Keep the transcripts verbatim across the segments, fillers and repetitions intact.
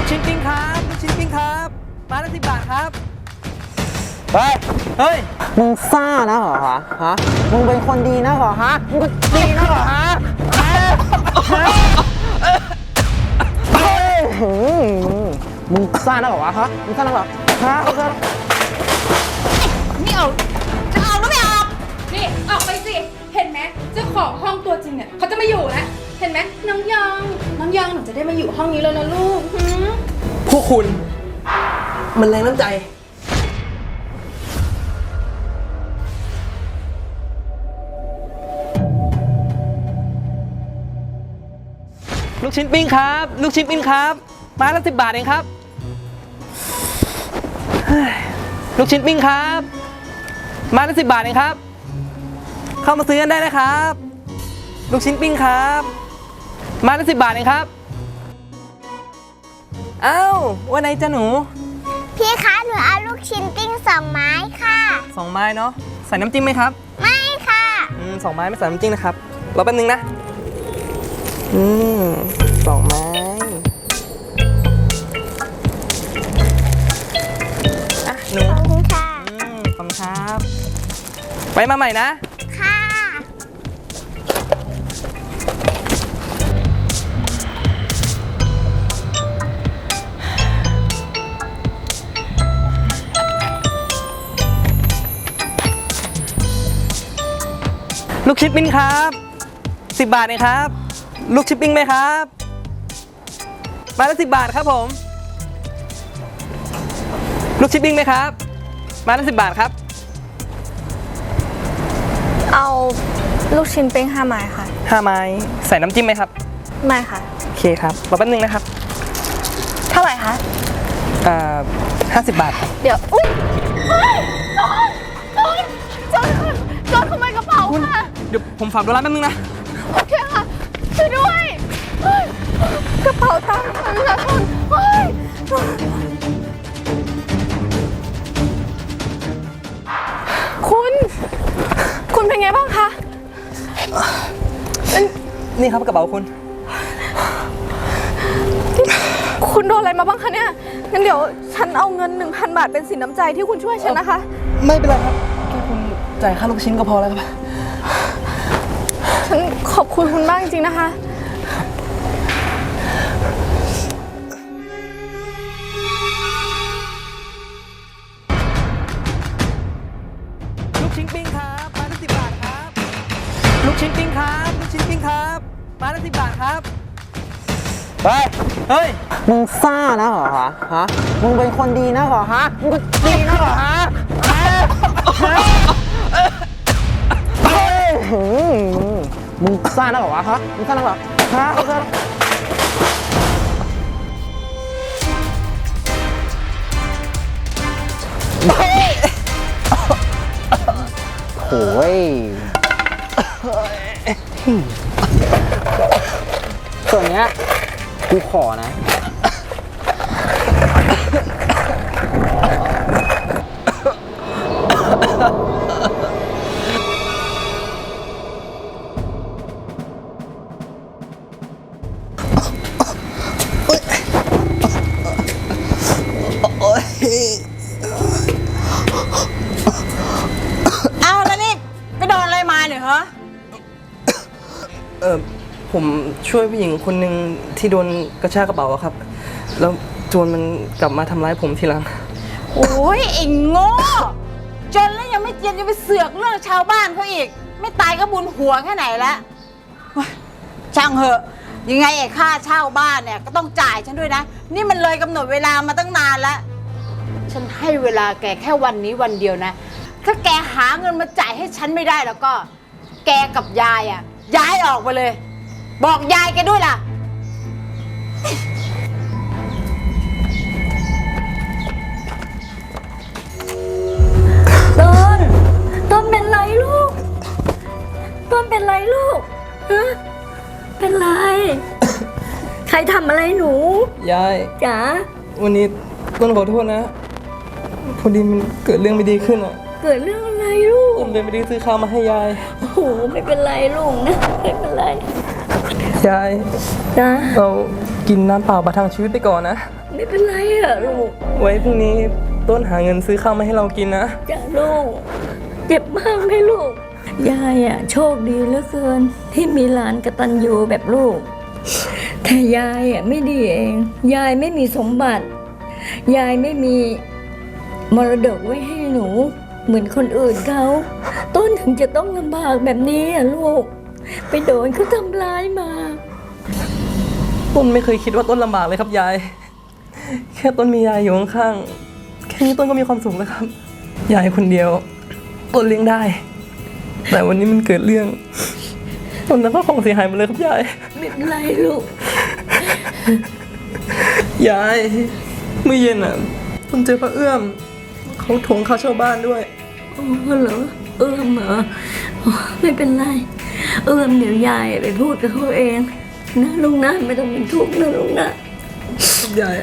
ชิ้นปิ้งครับลูกชิ้นปิ้งครับไม้ละสิบบาทครับเฮ้ยเฮ้ยมึงซ่านะเหรอฮะฮะมึงเป็นคนดีนะเหรอฮะมึงก็ดีนะเหรอฮะเฮ้ยมึงซ่านะเหรอวะฮะมึงซ่านะเหรอฮะนี่เอาจะเอาหรือไม่เอานี่ออกไปสิเห็นไหมเจ้าของห้องตัวจริงเนี่ยเขาจะมาอยู่แล้วเห็นไหมน้องยองน้องยองหนูจะได้มาอยู่ห้องนี้แล้วนะลูกพวกคุณมันแรงน้ำใจลูกชิ้นปิ้งครับลูกชิ้นปิ้งครับไม้ละสิบบาทเองครับลูกชิ้นปิ้งครับไม้ละสิบบาทเองครับเข้ามาซื้อกันได้นะครับลูกชิ้นปิ้งครับไม้ละสิบบาทเองครับอ้าวว่าไงจ๊ะหนูพี่คะหนูเอาลูกชิ้นปิ้งสองไม้ค่ะสองไม้เนาะใส่น้ำจิ้มไหมครับไม่ค่ะอืมสองไม้ไม่ใส่น้ำจิ้มนะครับรอแป๊บนึงนะอืมสองไม้อ่ะหนูขอบคุณค่ะอืมขอบคุณครับไปมาใหม่นะค่ะลูกชิ้นปิ้งครับสิบบาทเองครับลูกชิ้นปิ้งไหมครับไม้ละสิบบาทครับผมลูกชิ้นปิ้งไหมครับไม้ละสิบบาทครับเอาลูกชิ้นปิ้งห้าไม้ค่ะห้าไม้ใส่น้ำจิ้มไหมครับไม่ค่ะโอเคครับรอแป๊บนึงนะครับเท่าไหร่คะอ่าห้าสิบบาทครับเดี๋ยวอุ้ยโจรโจรโจรขโมยกระเป๋าค่ะเดี๋ยวผมฝากดูร้านแป๊บนึงนะโอเคค่ะช่วยด้วยกระเป๋าตังค์ประชาชนคุณคุณเป็นไงบ้างคะนี่ครับกระเป๋าคุณคุณโดนอะไรมาบ้างคะเนี่ยงั้นเดี๋ยวฉันเอาเงิน หนึ่งพัน บาทเป็นสินน้ำใจที่คุณช่วยฉันนะคะไม่เป็นไรครับแค่คุณจ่ายค่าลูกชิ้นก็พอแล้วครับฉันขอบคุณคุณมากจริงๆนะคะลูกชิ้นปิ้งครับไม้ละสิบบาทครับลูกชิ้นปิ้งครับลูกชิ้นปิ้งครับไม้ละสิบบาทครับเฮ้ยเฮ้ยมึงซ่านะเหรอฮะฮะมึงเป็นคนดีนะเหรอฮะมึงก็ดีนะเหรอฮะเฮ้ยมึงซ่านะเหรอวะฮะมึงซ่านะเหรอฮะโอ้ยส่วนเนี้ยกูขอนะเอาแล้วนี่ไปโดนอะไรมาเนี่ยฮะเออผมช่วยผู้หญิงคนหนึ่งที่โดนกระชากกระเป๋าครับแล้วโจรมันกลับมาทำร้ายผมทีหลังโอ้ยไอ้โง่จนแล้วยังไม่เจียนยังไปเสือกเรื่องชาวบ้านเขาอีกไม่ตายก็บุญหัวแค่ไหนแล้วช่างเหอะยังไงไอ้ค่าเช่าบ้านเนี่ยก็ต้องจ่ายฉันด้วยนะนี่มันเลยกำหนดเวลามาตั้งนานแล้วฉันให้เวลาแกแค่วันนี้วันเดียวนะถ้าแกหาเงินมาจ่ายให้ฉันไม่ได้แล้วก็แกกับยายอ่ะย้ายออกไปเลยบอกยายแกด้วยล่ะต้นต้นเป็นไรลูกต้นเป็นไรลูกฮะเป็นไรใครทำอะไรหนูยายจ๋าวันนี้ต้นขอโทษนะพอดีมันเกิดเรื่องไม่ดีขึ้นอ่ะเกิดเรื่องอะไรลูกต้นเลยไม่ได้ซื้อข้าวมาให้ยายโอ้โหไม่เป็นไรลูกนะไม่เป็นไรยายจ้าเรากินน้ำเปล่าประทังชีวิตไปก่อนนะไม่เป็นไรอะลูกไว้พรุ่งนี้ต้นหาเงินซื้อข้าวมาให้เรากินนะจ้าลูก เจ็บมากไหมลูก ยายอะโชคดีเหลือเกิน ที่มีหลานกตัญญูแบบลูก แต่ยายอะไม่ดีเอง ยายไม่มีสมบัติ ยายไม่มีมรดกไว้ให้หนู เหมือนคนอื่นเขาต้นถึงจะต้องลำบากแบบนี้อะลูก ไปโดนเขาทำร้ายมาต้นไม่เคยคิดว่าต้นลำบากเลยครับยาย แค่ต้นมียายอยู่ข้างๆ แค่นี้ต้นก็มีความสุขแล้วครับ ยายคนเดียว ต้นเลี้ยงได้ แต่วันนี้มันเกิดเรื่อง ต้นแล้วก็ของเสียหายหมดเลยครับยายไม่เป็นไรลูกยาย เมื่อเย็นอ่ะต้นเจอพระเอื้อม เขาทวงค่าเช่าบ้านด้วยโอ้เหรอเอื้อมเหรอโอ้ไม่เป็นไร เอื้อมเดี๋ยวยายไปพูดกับเขาเองนะลุงนะไม่ต้องเป็นทุกข์นะลุงนะยาย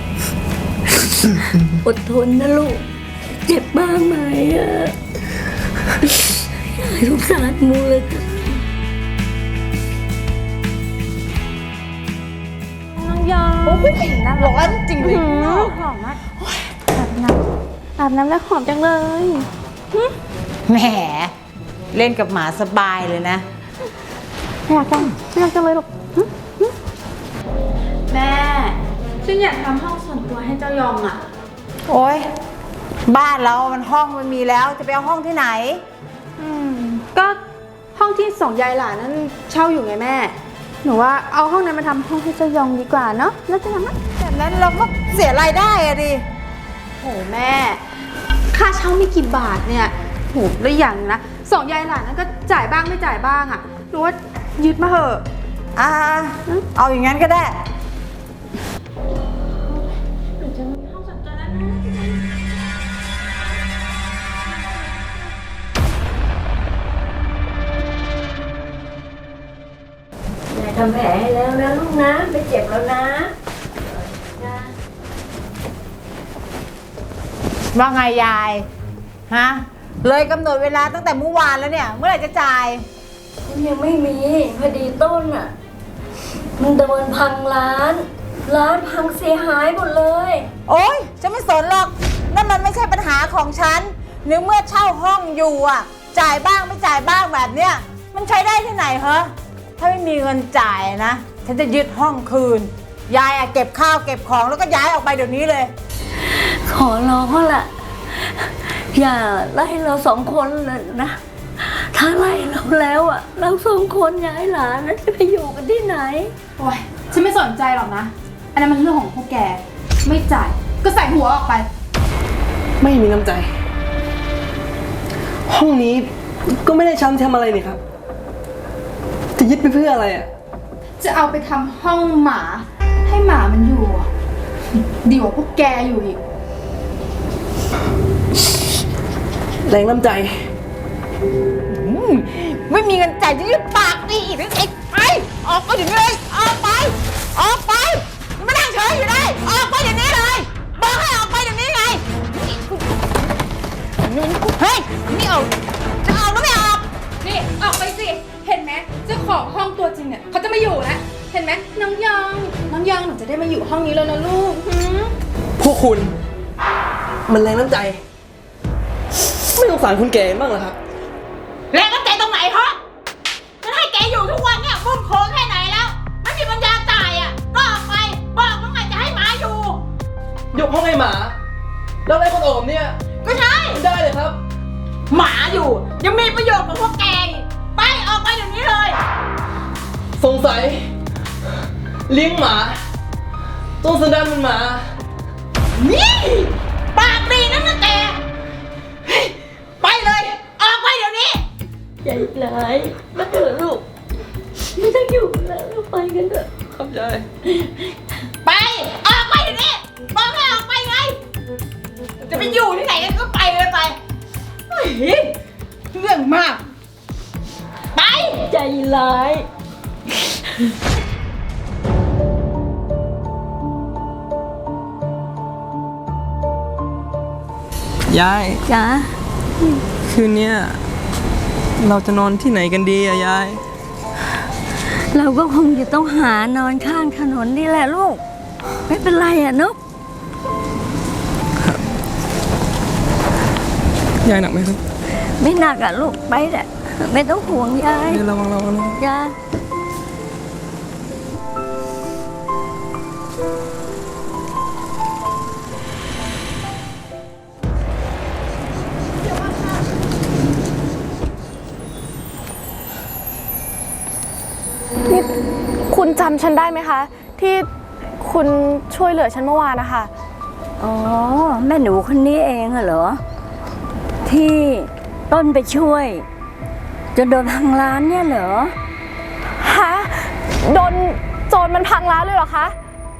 อดทนนะลูก เจ็บบ้างไหมอะยายสงสารมูเลยน้องยองโอ้ยน่าร้อนจริงเลยหอมมากอาบน้ำอาบน้ำแล้วหอมจังเลยแหมเล่นกับหมาสบายเลยนะไม่อยากจังไม่อยากจังเลยหรอกหึหึแม่ฉันอยากทำห้องส่วนตัวให้เจ้ายองอ่ะโอ๊ย บ้านเรามันห้องมันมีแล้วจะไปเอาห้องที่ไหนอืมก็ห้องที่สองยายหลานนั้นเช่าอยู่ไงแม่ หนูว่าเอาห้องนั้นมาทำห้องให้เจ้ายองดีกว่าเนาะแล้วจะทำไหมแบบนั้นเราก็เสียรายได้อะดิโหแม่ ค่าเช่าไม่กี่บาทเนี่ยโหแล้วอย่างหนึ่งนะสองยายหลานนั้นก็จ่ายบ้างไม่จ่ายบ้างอ่ะหนูว่ายึดมาเถอะอ่า เอาอย่างนั้นก็ได้ยายทำแผลให้แล้วนะลูกนะไม่เจ็บแล้วนะว่าไงยาย ฮะ เลยกำหนดเวลาตั้งแต่เมื่อวานแล้วเนี่ย เมื่อไหร่จะจ่ายยังไม่มีพอดีต้นอ่ะ มันโดนพังร้าน ร้านพังเสียหายหมดเลยโอ๊ยฉันไม่สนหรอก นั่นมันไม่ใช่ปัญหาของฉันนึกเมื่อเช่าห้องอยู่อ่ะ จ่ายบ้างไม่จ่ายบ้างแบบเนี้ย มันใช้ได้ที่ไหนเหรอถ้าไม่มีเงินจ่ายนะ ฉันจะยึดห้องคืน ยายอะเก็บข้าวเก็บของแล้วก็ย้ายออกไปเดี๋ยวนี้เลยขอร้องละอย่าไล่เราสองคนเลยนะ ถ้าไล่เราแล้วอ่ะ เราสองคนย้ายหลานแล้วจะไปอยู่กันที่ไหนโอ้ยฉันไม่สนใจหรอกนะ อันนั้นมันเรื่องของพวกแก ไม่จ่ายก็ใส่หัวออกไปไม่มีน้ำใจ ห้องนี้ก็ไม่ได้ช้ำทำอะไรนี่ครับ จะยึดไปเพื่ออะไรอ่ะจะเอาไปทำห้องหมา ให้หมามันอยู่อะดีกว่าพวกแกอยู่อีกแรงน้ำใจไม่มีเงินจ่ายจะยึดปากดีอีกนะเอกไป ออกไปเดี๋ยวนี้เลย ออกไป ออกไปอย่ามานั่งเฉยอยู่ได้ ออกไปเดี๋ยวนี้เลย บอกให้ออกไปเดี๋ยวนี้ไงเฮ้ยนี่เอาจะเอาหรือไม่ออกนี่ออกไปสิ เห็นไหมเจ้าของห้องตัวจริงเนี่ยเขาจะไม่อยู่แล้วเห็นไหมน้องยอง น้องยองหนูจะได้มาอยู่ห้องนี้แล้วนะลูกหืมพวกคุณ มันแรงน้ำใจ ไม่สงสารคุณแก่บ้างเหรอครับแรงน้ำใจตรงไหนฮะฉันให้แกอยู่ทุกวันเนี่ยมุ่งโค้งแค่ไหนแล้ว ไม่มีปัญญาจ่ายอ่ะ ก็ออกไป บอกว่าไงจะให้หมาอยู่ยกห้องให้หมา แล้วไอ้คนโอมเนี่ยก็ใช่ไม่ได้เลยครับหมาอยู่ ยังมีประโยชน์กว่าพวกแกอีกไปออกไปเดี๋ยวนี้เลยสงสัยเลี้ยงหมาต้องสันดานเป็นหมานี่ปากดีนะนะแกเฮ้ยไปเลย ออกไปเดี๋ยวนี้ใหญ่ร้ายมาเถอะลูก ไม่ต้องอยู่แล้วเราไปกันเถอะครับยายไป ออกไปเดี๋ยวนี้บอกให้ออกไปไง จะไปอยู่ที่ไหนกันก็ไปเลยไปเฮ้ยเรื่องมาก ไปใจร้ายยายจ้าคืนเนี้ยเราจะนอนที่ไหนกันดีอะยายเราก็คงจะต้องหานอนข้างถนนนี่แหละลูก ไม่เป็นไรอ่ะนุ๊กยายหนักไหมครับไม่หนักอ่ะลูกไปแหละไม่ต้องห่วงยายเดี๋ยวระวังระวังนะยายนี่คุณจำฉันได้ไหมคะ ที่คุณช่วยเหลือฉันเมื่อวานนะคะอ๋อแม่หนูคนนี้เองเหรอ ที่ต้นไปช่วยจนโดนทางร้านเนี่ยเหรอฮะ โดนโจรมันพังร้านเลยเหรอคะ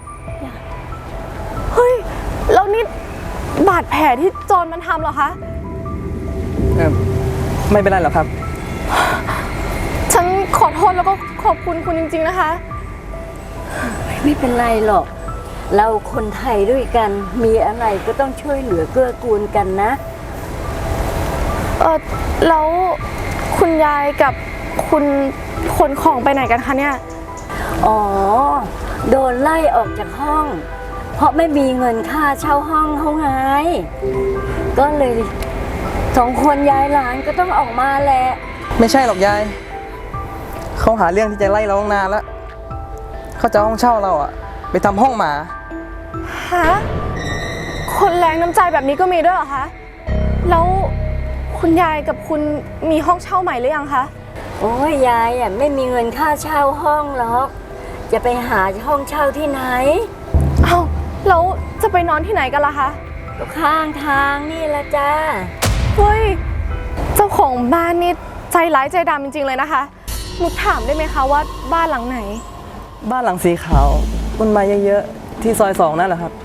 เฮ้ย แล้วนี่บาดแผลที่โจรมันทำเหรอคะเออไม่เป็นไรหรอกครับฉันขอโทษแล้วก็ขอบคุณคุณจริงๆนะคะไม่เป็นไรหรอก เราคนไทยด้วยกันมีอะไรก็ต้องช่วยเหลือเกื้อกูลกันนะเออแล้วคุณยายกับคุณขนของไปไหนกันคะเนี่ยอ๋อ โดนไล่ออกจากห้อง เพราะไม่มีเงินค่าเช่าห้องเขาไง ก็เลยสองคนยายหลานก็ต้องออกมาแหละไม่ใช่หรอกยายเขาหาเรื่องที่จะไล่เราตั้งนานแล้วเขาจะเอาห้องเช่าเราอะไปทำห้องหมาฮะ คนแรงน้ำใจแบบนี้ก็มีด้วยเหรอคะ แล้วคุณยายกับคุณมีห้องเช่าใหม่หรือยังคะโอ้ยยายอ่ะไม่มีเงินค่าเช่าห้องหรอก จะไปหาห้องเช่าที่ไหนอ้าว แล้วจะไปนอนที่ไหนกันล่ะคะก็ข้างทางนี่ละจ้าเฮ้ย เจ้าของบ้านนี่ใจร้ายใจดำจริงๆเลยนะคะหนูถามได้ไหมคะว่าบ้านหลังไหนบ้านหลังสีขาวต้นไม้เยอะๆที่ซอยสองนั่นแหละครับ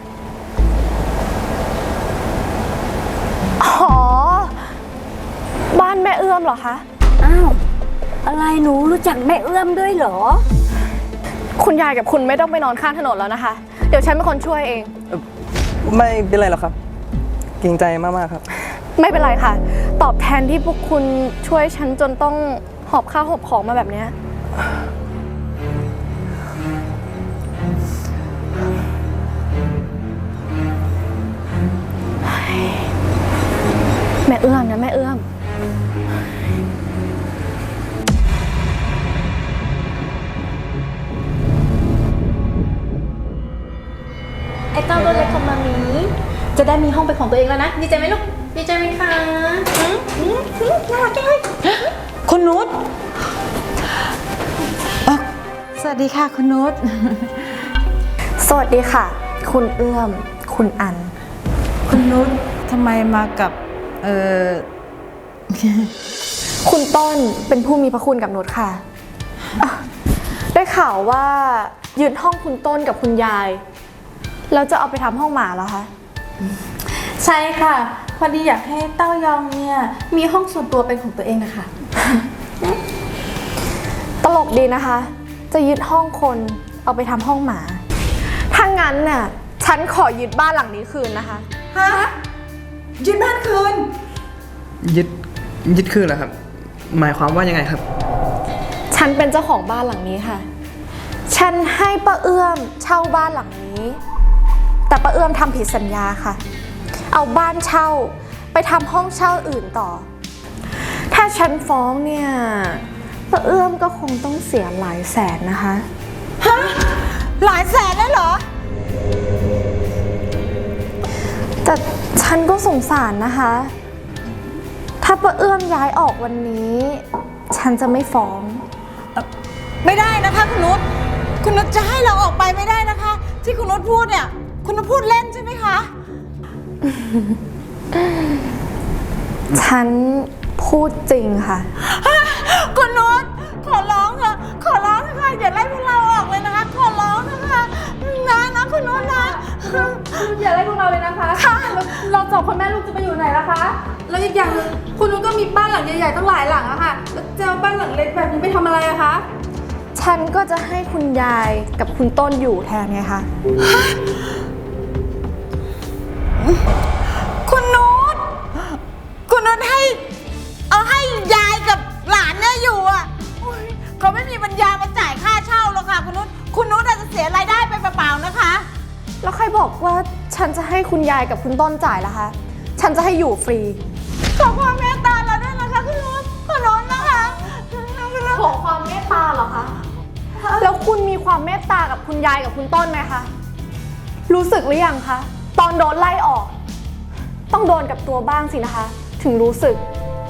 อ๋อ บ้านแม่เอื้อมเหรอคะอ้าว อะไรหนูรู้จักแม่เอื้อมด้วยเหรอคุณยายกับคุณไม่ต้องไปนอนข้างถนนแล้วนะคะ เดี๋ยวฉันเป็นคนช่วยเองไม่เป็นไรหรอกครับเกรงใจมากๆครับไม่เป็นไรค่ะ ตอบแทนที่พวกคุณช่วยฉันจนต้องหอบข้าวหอบของมาแบบเนี้ยแม่เอื้อมนะแม่เอื้อมไอ้เต้าตัวเล็กของมามีจะได้มีห้องเป็นของตัวเองแล้วนะ ดีใจไหมลูก ดีใจไหมคะอืมอืมอืมน่ารักจังเลยคุณนุชเอ่อสวัสดีค่ะคุณนุชสวัสดีค่ะ คุณเอื้อม คุณอันคุณนุชทำไมมากับ เอ่อคุณต้นเป็นผู้มีพระคุณกับนุชค่ะอ่ะ ได้ข่าวว่ายึดห้องคุณต้นกับคุณยาย แล้วจะเอาไปทำห้องหมาแล้วคะใช่ค่ะ พอดีอยากให้เต้ายองเนี่ยมีห้องส่วนตัวเป็นของตัวเองนะคะตลกดีนะคะ จะยึดห้องคนเอาไปทำห้องหมา ถ้างั้นน่ะฉันขอยึดบ้านหลังนี้คืนนะคะฮะยึดบ้านคืนยึดยึดคืนเหรอครับ หมายความว่ายังไงครับฉันเป็นเจ้าของบ้านหลังนี้ค่ะ ฉันให้ป้าเอื้อมเช่าบ้านหลังนี้ แต่ป้าเอื้อมทำผิดสัญญาค่ะ เอาบ้านเช่าไปทำห้องเช่าอื่นต่อ ถ้าฉันฟ้องเนี่ยป้าเอื้อมก็คงต้องเสียหลายแสนนะคะฮะ หลายแสนเลยเหรอแต่ฉันก็สงสารนะคะ ถ้าป้าเอื้อมย้ายออกวันนี้ ฉันจะไม่ฟ้องไม่ได้นะคะคุณนุชคุณนุชจะให้เราออกไปไม่ได้นะคะ ที่คุณนุชพูดเนี่ย คุณนุชพูดเล่นใช่ไหมคะฉันพูดจริงค่ะคุณนุชขอร้องเถอะขอร้องนะคะอย่าไล่พวกเราออกเลยนะคะ ขอร้องนะคะนะนะคุณนุชนะอย่าไล่พวกเราเลยนะคะแล้วเราสองคนแม่ลูกจะไปอยู่ไหนล่ะคะ แล้วอีกอย่างหนึงคุณนุ้นก็มีบ้านหลังใหญ่ๆตั้งหลายหลังอะค่ะแล้วจะเอาบ้านหลังเล็กแบบนี้ไปทำอะไรอะคะฉันก็จะให้คุณยายกับคุณต้นอยู่แทนไงคะคุณนุชคุณนุชให้ เอาให้ยายกับหลานเนี่ยอยู่อ่ะโอ๊ยเขาไม่มีปัญญามาจ่ายค่าว่าฉันจะให้คุณยายกับคุณต้นจ่ายล่ะคะ ฉันจะให้อยู่ฟรีขอความเมตตาเราด้วยนะคะคุณนุชขอร้องนะคะขอความเมตตาเหรอคะ แล้วคุณมีความเมตตากับคุณยายกับคุณต้นไหมคะ รู้สึกหรือยังคะ ตอนโดนไล่ออก ต้องโดนกับตัวบ้างสินะคะ ถึงรู้สึก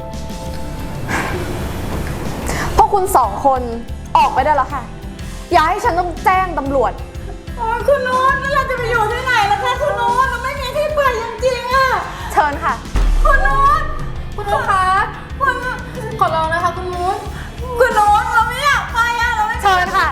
พวกคุณสองคนออกไปได้แล้วค่ะ อย่าให้ฉันต้องแจ้งตำรวจโอ้ยคุณนุชแล้วเราจะไปอยู่ที่ไหนล่ะคะคุณนุชเราไม่มีที่ไปจริงๆอะเชิญค่ะคุณนุชคุณนุชคะคุณขอร้องนะคะคุณนุชคุณนุชเราไม่อยากไปอะเราไม่เชิญค่ะ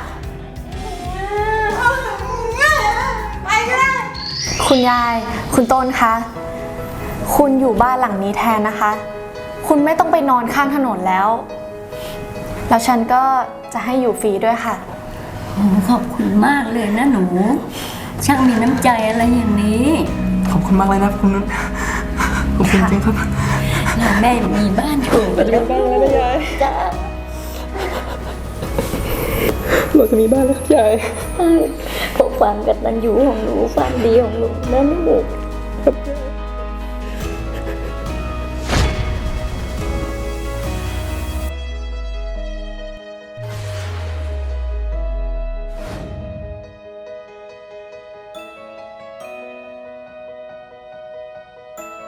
ไปก็ได้คุณยาย คุณต้นคะ คุณอยู่บ้านหลังนี้แทนนะคะ คุณไม่ต้องไปนอนข้างถนนแล้ว แล้วฉันก็จะให้อยู่ฟรีด้วยค่ะโอ้ขอบคุณมากเลยนะหนู ช่างมีน้ำใจอะไรอย่างนี้ขอบคุณมากเลยนะคุณนุชขอบคุณจริงครับเราได้มีบ้านอยู่กันแล้วบ้านแล้วนะยายจ้าเราจะมีบ้านแล้วครับยายเพราะความกตัญญูของหนูความดีของหนูนะลูกครับยาย